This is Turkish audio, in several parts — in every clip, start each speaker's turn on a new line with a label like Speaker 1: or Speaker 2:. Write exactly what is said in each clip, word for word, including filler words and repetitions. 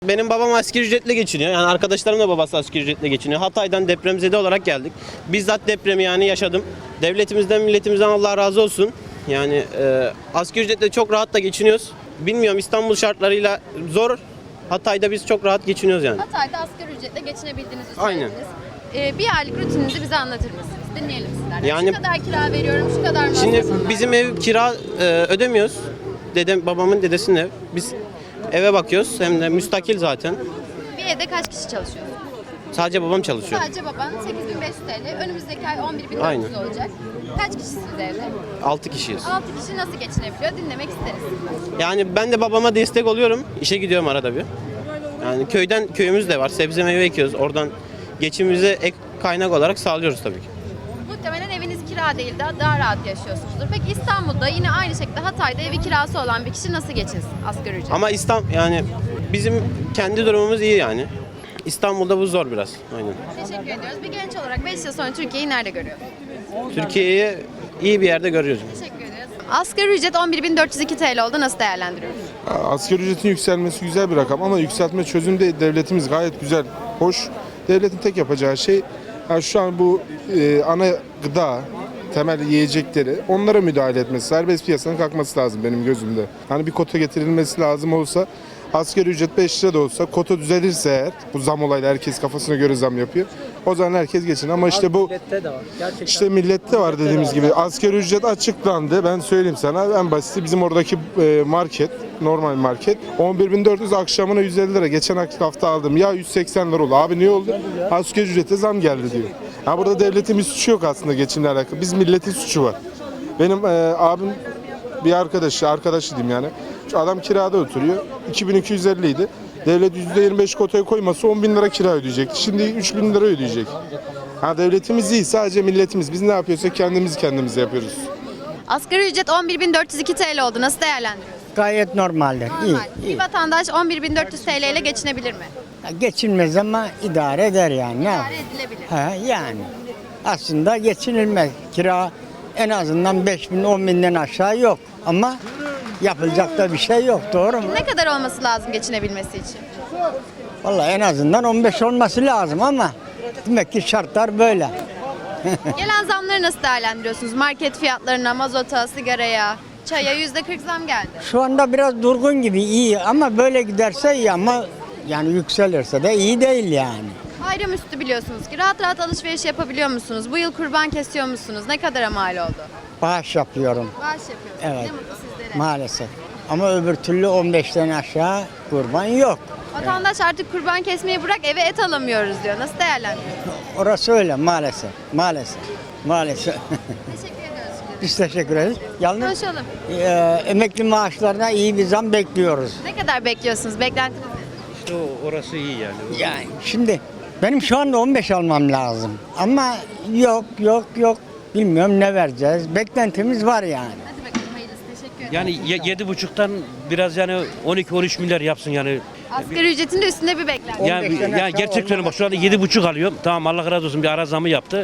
Speaker 1: Benim babam asgari ücretle geçiniyor. Yani arkadaşlarım da babası asgari ücretle geçiniyor. Hatay'dan depremzede olarak geldik. Bizzat depremi yani yaşadım. Devletimizden, milletimizden Allah razı olsun. Yani e, asgari ücretle çok rahat da geçiniyoruz. Bilmiyorum, İstanbul şartlarıyla zor. Hatay'da biz çok rahat geçiniyoruz yani.
Speaker 2: Hatay'da asgari ücretle geçinebildiğinizi
Speaker 1: Aynen.
Speaker 2: söylediniz. Ee, bir aylık rutininizi bize anlatır mısınız? Dinleyelim sizlerden.
Speaker 1: Yani-
Speaker 2: şu kadar kira veriyorum, şu kadar
Speaker 1: Şimdi
Speaker 2: masrafım var.
Speaker 1: bizim ev kira e, ödemiyoruz. Dedem, babamın dedesinin ev. Biz eve bakıyoruz. Hem de müstakil zaten.
Speaker 2: Bir evde kaç kişi çalışıyor?
Speaker 1: Sadece babam çalışıyor.
Speaker 2: Sadece baban sekiz bin beş yüz T L. Önümüzdeki ay on bir bin dört yüz
Speaker 1: Aynen.
Speaker 2: olacak. Kaç kişisiniz evde?
Speaker 1: altı kişiyiz.
Speaker 2: altı kişi nasıl geçinebiliyor? Dinlemek isteriz.
Speaker 1: Yani ben de babama destek oluyorum. İşe gidiyorum arada bir. Yani köyden köyümüz de var. Sebze meyve ekiyoruz. Oradan geçimimize ek kaynak olarak sağlıyoruz tabii ki.
Speaker 2: Muhtemelen eviniz kira değil de daha rahat yaşıyorsunuzdur. Peki İstanbul'da yine aynı şekilde Hatay'da evi kirası olan bir kişi nasıl geçinsin asgari ücret?
Speaker 1: Ama İstanbul yani bizim kendi durumumuz iyi yani. İstanbul'da bu zor biraz. Aynen.
Speaker 2: Teşekkür ediyoruz. Bir genç olarak beş yıl sonra Türkiye'yi nerede görüyor?
Speaker 1: Türkiye'yi iyi bir yerde görüyoruz.
Speaker 2: Teşekkür ederiz. Asgari ücret on bir bin dört yüz iki T L oldu. Nasıl değerlendiriyoruz?
Speaker 3: Asgari ücretin yükselmesi güzel bir rakam ama yükseltme çözüm değil. Devletimiz gayet güzel, hoş. Devletin tek yapacağı şey yani şu an bu e, ana gıda, temel yiyecekleri onlara müdahale etmesi, serbest piyasanın kalkması lazım benim gözümde. Hani bir kota getirilmesi lazım olsa, asgari ücret beş lira da olsa, kota düzelirse eğer, bu zam olayla herkes kafasına göre zam yapıyor. O zaman herkes geçin ama işte bu
Speaker 4: Millette de var. Gerçekten.
Speaker 3: işte millette var dediğimiz gibi. Asgari ücret açıklandı. Ben söyleyeyim sana en basiti bizim oradaki e, market, normal market on bir bin dört yüz akşamına yüz elli lira. Geçen hafta aldım. Ya yüz seksen lira oldu. Abi ne oldu? Asgari ücrete zam geldi diyor. Ha burada devletin bir suçu yok aslında geçimle alakalı. Biz milletin suçu var. Benim e, abim bir arkadaşı, arkadaşı diyeyim yani. Şu adam kirada oturuyor. iki bin iki yüz elli idi. Devlet yüzde yirmi beş kotaya koymasa on bin lira kira ödeyecekti. Şimdi üç bin lira ödeyecek. Ha devletimiz iyi, sadece milletimiz. Biz ne yapıyorsak kendimiz kendimize yapıyoruz.
Speaker 2: Asgari ücret on bir bin dört yüz iki T L oldu. Nasıl değerlendiriyoruz?
Speaker 4: Gayet normaldir.
Speaker 2: Normal.
Speaker 4: İyi,
Speaker 2: Bir
Speaker 4: iyi.
Speaker 2: vatandaş on bir bin dört yüz T L ile geçinebilir mi?
Speaker 4: Geçinmez ama idare eder yani. Ne
Speaker 2: İdare
Speaker 4: yap-
Speaker 2: edilebilir.
Speaker 4: Ha, yani. Aslında geçinilmez. Kira en azından beş bin on binden aşağı yok. Ama yapılacak da bir şey yok. Doğru mu?
Speaker 2: Ne kadar olması lazım geçinebilmesi için?
Speaker 4: Vallahi en azından on beş olması lazım ama demek ki şartlar böyle.
Speaker 2: Gelen zamları nasıl değerlendiriyorsunuz? Market fiyatlarına, mazota, sigaraya, çaya yüzde kırk zam geldi.
Speaker 4: Şu anda biraz durgun gibi, iyi ama böyle giderse iyi ama yani yükselirse de iyi değil yani.
Speaker 2: Bayramüstü biliyorsunuz ki rahat rahat alışveriş yapabiliyor musunuz? Bu yıl kurban kesiyor musunuz? Ne kadara mal oldu?
Speaker 4: Bağış yapıyorum
Speaker 2: Bağış yapıyorsunuz.
Speaker 4: Evet.
Speaker 2: Ne mutlu sizlere.
Speaker 4: maalesef. Ama öbür türlü on beşten aşağı kurban yok.
Speaker 2: Vatandaş artık kurban kesmeyi bırak eve et alamıyoruz diyor. Nasıl değerlendiriyorsunuz?
Speaker 4: Orası öyle maalesef. Maalesef. Maalesef.
Speaker 2: Teşekkür ediyoruz.
Speaker 4: Biz teşekkür ederiz. Yalnız
Speaker 2: Konuşalım.
Speaker 4: e, emekli maaşlarına iyi bir zam bekliyoruz.
Speaker 2: Ne kadar bekliyorsunuz? Beklentiniz ne?
Speaker 5: Orası iyi yani.
Speaker 4: Yani şimdi benim şu anda on beş almam lazım. Ama yok yok yok. Bilmiyorum ne vereceğiz. Beklentimiz var yani.
Speaker 2: Hadi bakalım hayırlısı. Teşekkür ederim.
Speaker 5: Yani ye- yedi buçuktan biraz yani on iki on üç milyar yapsın yani.
Speaker 2: Asgari ücretin de üstünde bir beklenti.
Speaker 5: Yani,
Speaker 4: on beşten
Speaker 5: yani
Speaker 4: aşağı
Speaker 5: gerçek söylüyorum bak şu anda yedi buçuk alıyorum. Tamam Allah razı olsun bir ara zamı yaptı.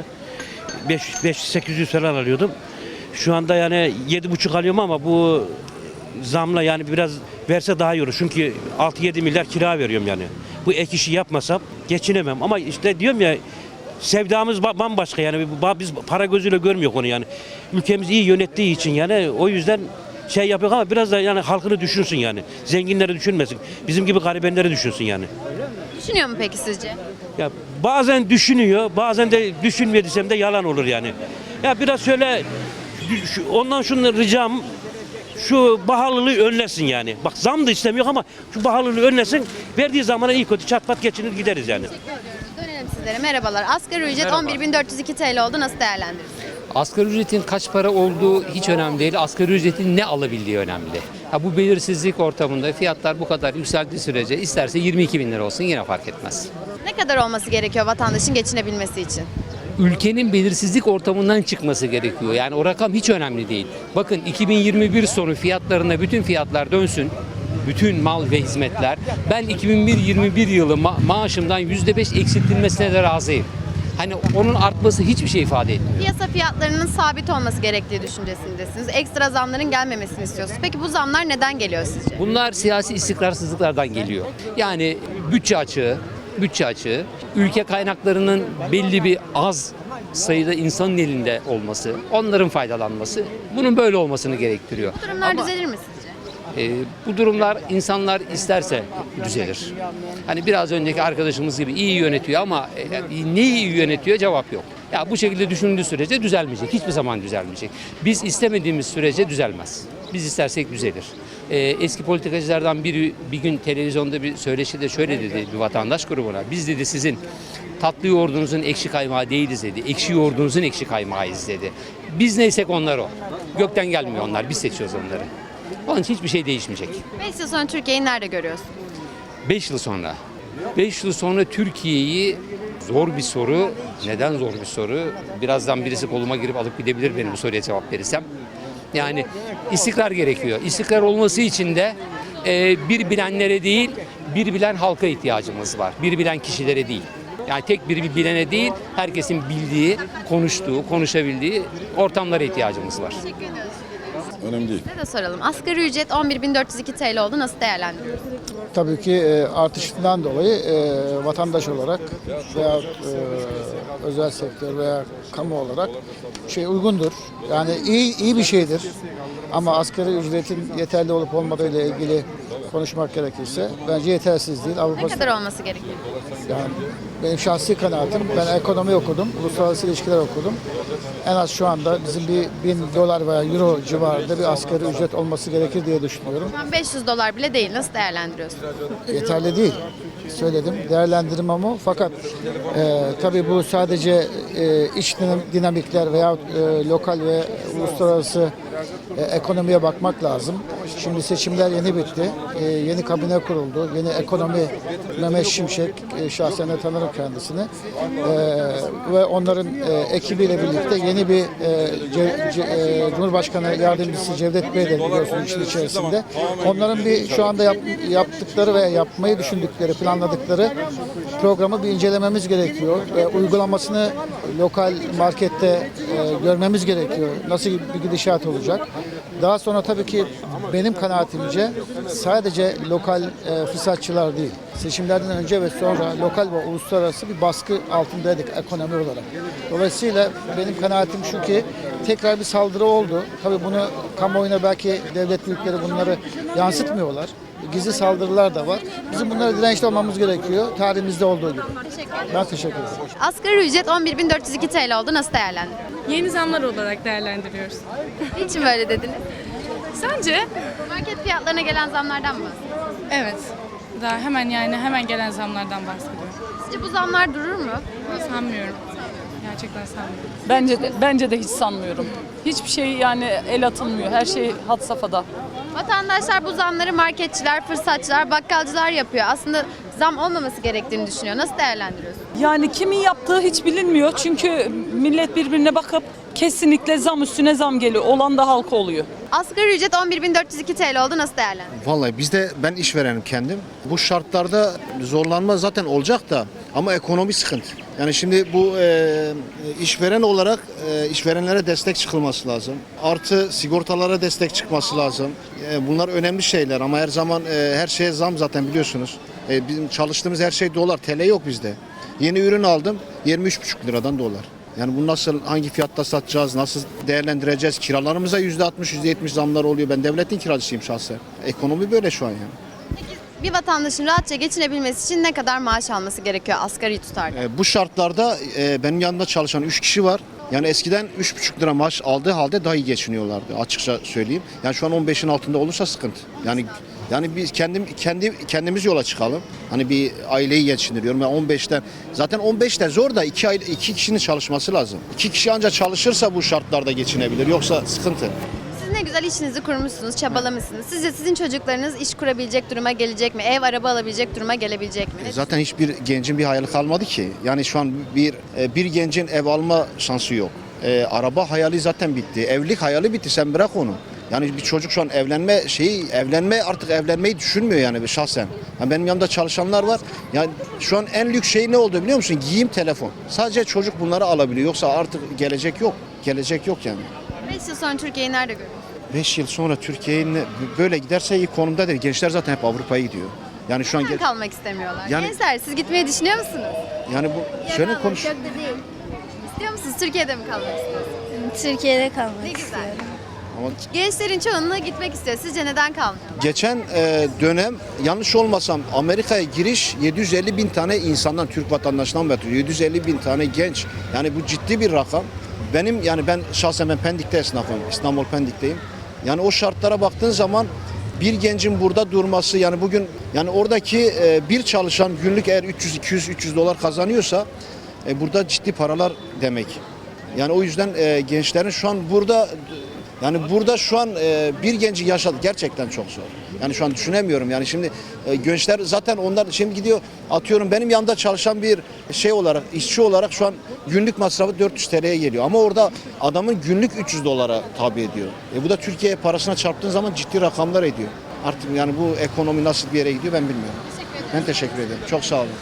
Speaker 5: beş sekiz yüz falan alıyordum. Şu anda yani yedi buçuk alıyorum ama bu zamla yani biraz verse daha iyi olur. Çünkü altı yedi milyar kira veriyorum yani. Bu ek işi yapmasam geçinemem. Ama işte diyorum ya sevdamız ba- bambaşka yani Ba- biz para gözüyle görmüyor onu yani. Ülkemiz iyi yönettiği için yani o yüzden şey yapıyor ama biraz da yani halkını düşünsün yani. Zenginleri düşünmesin. Bizim gibi garibenleri düşünsün yani.
Speaker 2: Düşünüyor mu peki sizce?
Speaker 5: Ya bazen düşünüyor, bazen de düşünmüyor desem de yalan olur yani. Ya biraz şöyle şu- ondan şunu ricam şu pahalılığı önlesin yani. Bak zam da istemiyor ama şu pahalılığı önlesin. Verdiği zamana iyi kötü çat pat geçinir gideriz yani.
Speaker 2: Teşekkür ediyoruz. Dönelim sizlere. Merhabalar. Asgari ücret on bir bin dört yüz iki T L oldu. Nasıl değerlendiriyorsunuz?
Speaker 6: Asgari ücretin kaç para olduğu hiç önemli değil. Asgari ücretin ne alabildiği önemli. Ha, bu belirsizlik ortamında fiyatlar bu kadar yükseldiği sürece isterse yirmi iki bin lira olsun yine fark etmez.
Speaker 2: Ne kadar olması gerekiyor vatandaşın geçinebilmesi için?
Speaker 6: Ülkenin belirsizlik ortamından çıkması gerekiyor. Yani o rakam hiç önemli değil. Bakın iki bin yirmi bir sonu fiyatlarına bütün fiyatlar dönsün. Bütün mal ve hizmetler. Ben iki bin yirmi bir yılı ma- maaşımdan yüzde beş eksiltilmesine de razıyım. Hani onun artması hiçbir şey ifade etmiyor.
Speaker 2: Piyasa fiyatlarının sabit olması gerektiği düşüncesindesiniz. Ekstra zamların gelmemesini istiyorsunuz. Peki bu zamlar neden geliyor sizce?
Speaker 6: Bunlar siyasi istikrarsızlıklardan geliyor. Yani bütçe açığı, bütçe açığı, ülke kaynaklarının belli bir az sayıda insanın elinde olması, onların faydalanması, bunun böyle olmasını gerektiriyor.
Speaker 2: Bu durumlar
Speaker 6: Ama,
Speaker 2: düzelir mi sizce?
Speaker 6: e, bu durumlar insanlar isterse düzelir. Hani biraz önceki arkadaşımız gibi iyi yönetiyor ama e, neyi iyi yönetiyor cevap yok. Ya bu şekilde düşündüğü sürece düzelmeyecek. Hiçbir zaman düzelmeyecek. Biz istemediğimiz sürece düzelmez. Biz istersek düzelir. Ee, eski politikacılardan biri bir gün televizyonda bir söyleşide şöyle dedi bir vatandaş grubuna. Biz dedi sizin tatlı yoğurdunuzun ekşi kaymağı değiliz dedi. Ekşi yoğurdunuzun ekşi kaymağıyız dedi. Biz neysek onlar o. Gökten gelmiyor onlar. Biz seçiyoruz onları. Onun için hiçbir şey değişmeyecek.
Speaker 2: beş yıl sonra Türkiye'yi nerede görüyorsun?
Speaker 6: beş yıl sonra. beş yıl sonra Türkiye'yi zor bir soru. Neden zor bir soru? Birazdan birisi koluma girip alıp gidebilir benim bu soruya cevap verirsem. Yani istikrar gerekiyor. İstikrar olması için de e, bir bilenlere değil, bir bilen halka ihtiyacımız var. Bir bilen kişilere değil. Yani tek bir bilene değil, herkesin bildiği, konuştuğu, konuşabildiği ortamlara ihtiyacımız var.
Speaker 7: Önemli değil.
Speaker 2: Size de soralım. Asgari ücret on bir bin dört yüz iki T L oldu. Nasıl değerlendiriyorsunuz?
Speaker 8: Tabii ki e, artışından dolayı e, vatandaş olarak veya e, özel sektör veya kamu olarak şey uygundur. Yani iyi iyi bir şeydir. Ama asgari ücretin yeterli olup olmadığı ile ilgili konuşmak gerekirse bence yetersiz değil.
Speaker 2: Ne
Speaker 8: Avrupa
Speaker 2: kadar olması gerekiyor?
Speaker 8: yani benim şahsi kanaatim, ben ekonomi okudum, uluslararası ilişkiler okudum. En az şu anda bizim bir bin dolar veya euro civarında bir asgari ücret olması gerekir diye düşünüyorum.
Speaker 2: Şu an beş yüz dolar bile değil. Nasıl değerlendiriyorsunuz?
Speaker 8: Yeterli değil. Söyledim. Değerlendirmem ama fakat e, tabii bu sadece e, iç dinam- dinamikler veya e, lokal ve uluslararası e, ekonomiye bakmak lazım. Şimdi seçimler yeni bitti. E, yeni kabine kuruldu. Yeni ekonomi Mehmet Şimşek, e, şahsen de tanırım kendisini. E, ve onların e, ekibiyle birlikte yeni bir e, Ce- Ce- e, Cumhurbaşkanı Yardımcısı Cevdet Bey de biliyorsunuz işin içerisinde. Onların bir şu anda yap- yaptıkları ve yapmayı düşündükleri, planladıkları programı bir incelememiz gerekiyor. E, uygulamasını lokal markette e, görmemiz gerekiyor. Nasıl bir gidişat olacak? Daha sonra tabii ki benim kanaatimce sadece lokal e, fırsatçılar değil, seçimlerden önce ve sonra lokal ve uluslararası bir baskı altındaydık ekonomi olarak. Dolayısıyla benim kanaatim şu ki tekrar bir saldırı oldu. Tabii bunu kamuoyuna belki devlet büyükleri bunları yansıtmıyorlar. Gizli saldırılar da var. Bizim bunlara dirençli olmamız gerekiyor. Tarihimizde olduğu gibi.
Speaker 2: Teşekkür ederim.
Speaker 8: Ben teşekkür ederim.
Speaker 2: Asgari ücret on bir bin dört yüz iki T L oldu. Nasıl değerlendiriyorsunuz?
Speaker 9: Yeni zamlar olarak değerlendiriyoruz.
Speaker 2: Niçin böyle dediniz?
Speaker 9: Sence?
Speaker 2: Market fiyatlarına gelen zamlardan mı bahsediyorsunuz?
Speaker 9: Evet. Daha hemen yani hemen gelen zamlardan bahsediyorum.
Speaker 2: Sizce bu zamlar durur mu?
Speaker 9: Sanmıyorum. Gerçekten sanmıyorum.
Speaker 10: Bence de, bence de hiç sanmıyorum. Hiçbir şey yani el atılmıyor. Her şey had safhada.
Speaker 2: Vatandaşlar bu zamları marketçiler, fırsatçılar, bakkalcılar yapıyor. Aslında zam olmaması gerektiğini düşünüyor. Nasıl değerlendiriyorsunuz?
Speaker 10: Yani kimin yaptığı hiç bilinmiyor. Çünkü millet birbirine bakıp kesinlikle zam üstüne zam geliyor. Olan da halka oluyor.
Speaker 2: Asgari ücret on bir bin dört yüz iki T L oldu. Nasıl değerlendiriyorsunuz?
Speaker 11: Vallahi bizde ben işverenim kendim. Bu şartlarda zorlanma zaten olacak da ama ekonomi sıkıntı. Yani şimdi bu e, işveren olarak e, işverenlere destek çıkılması lazım. Artı sigortalara destek çıkması lazım. E, bunlar önemli şeyler ama her zaman e, her şeye zam zaten biliyorsunuz. E, bizim çalıştığımız her şey dolar, T L yok bizde. Yeni ürün aldım yirmi üç buçuk liradan dolar. Yani bu nasıl, hangi fiyatta satacağız, nasıl değerlendireceğiz? Kiralarımıza yüzde altmış, yüzde yetmiş zamlar oluyor. Ben devletin kiracısıyım şahsen. Ekonomi böyle şu an yani.
Speaker 2: Bir vatandaşın rahatça geçinebilmesi için ne kadar maaş alması gerekiyor asgari tutarda?
Speaker 11: E, bu şartlarda e, benim yanımda çalışan üç kişi var. Yani eskiden üç buçuk lira maaş aldığı halde daha iyi geçiniyorlardı açıkça söyleyeyim. Yani şu an on beşin altında olursa sıkıntı. Yani yani biz kendim kendi kendimiz yola çıkalım. Hani bir aileyi geçindiriyorum. Yani on beşten zaten on beşten zor da iki aile iki kişinin çalışması lazım. İki kişi ancak çalışırsa bu şartlarda geçinebilir. Yoksa sıkıntı.
Speaker 2: Siz ne güzel işinizi kurmuşsunuz, çabalamışsınız. Sizce sizin çocuklarınız iş kurabilecek duruma gelecek mi? Ev, araba alabilecek duruma gelebilecek mi? Ne
Speaker 11: Zaten hiçbir gencin bir hayali kalmadı ki. Yani şu an bir bir gencin ev alma şansı yok. E, araba hayali zaten bitti. Evlilik hayali bitti. Sen bırak onu. Yani bir çocuk şu an evlenme şeyi evlenme artık evlenmeyi düşünmüyor yani şahsen. Yani benim yanımda çalışanlar var. Yani şu an en lüks şey ne oldu biliyor musun? Giyim, telefon. Sadece çocuk bunları alabiliyor. Yoksa artık gelecek yok. Gelecek yok yani.
Speaker 2: beş yıl sonra Türkiye'yi nerede görüyorsunuz?
Speaker 11: beş yıl sonra Türkiye'nin böyle giderse iyi konumda değil. Gençler zaten hep Avrupa'ya gidiyor. Yani şu an
Speaker 2: Neden
Speaker 11: ge-
Speaker 2: kalmak istemiyorlar?
Speaker 11: Yani-
Speaker 2: Gençler siz gitmeyi düşünüyor musunuz?
Speaker 11: yani bu şöyle konuş.
Speaker 2: İstiyor musunuz? Türkiye'de mi kalmak istiyorsunuz?
Speaker 9: Türkiye'de kalmak
Speaker 2: Ne güzel.
Speaker 11: Ama
Speaker 2: Gençlerin çoğunluğu gitmek istiyor. Sizce neden kalmıyorlar?
Speaker 11: geçen e, dönem yanlış olmasam Amerika'ya giriş yedi yüz elli bin tane insandan, Türk vatandaşından bahsediyor. yedi yüz elli bin tane genç. Yani bu ciddi bir rakam. Benim yani ben şahsen ben Pendik'te esnafım. İstanbul Pendik'teyim. Yani o şartlara baktığın zaman bir gencin burada durması yani bugün yani oradaki e, bir çalışan günlük eğer üç yüz iki yüz üç yüz dolar kazanıyorsa e, burada ciddi paralar demek. Yani o yüzden e, gençlerin şu an burada yani burada şu an e, bir genci yaşadı gerçekten çok zor. Yani şu an düşünemiyorum yani şimdi e, gençler zaten onlar şimdi gidiyor atıyorum benim yanında çalışan bir şey olarak işçi olarak şu an günlük masrafı dört yüz T L'ye geliyor. Ama orada adamın günlük üç yüz dolara tabi ediyor. E, bu da Türkiye parasına çarptığın zaman ciddi rakamlar ediyor. Artık yani bu ekonomi nasıl bir yere gidiyor ben bilmiyorum. Ben teşekkür ederim. Çok sağ olun.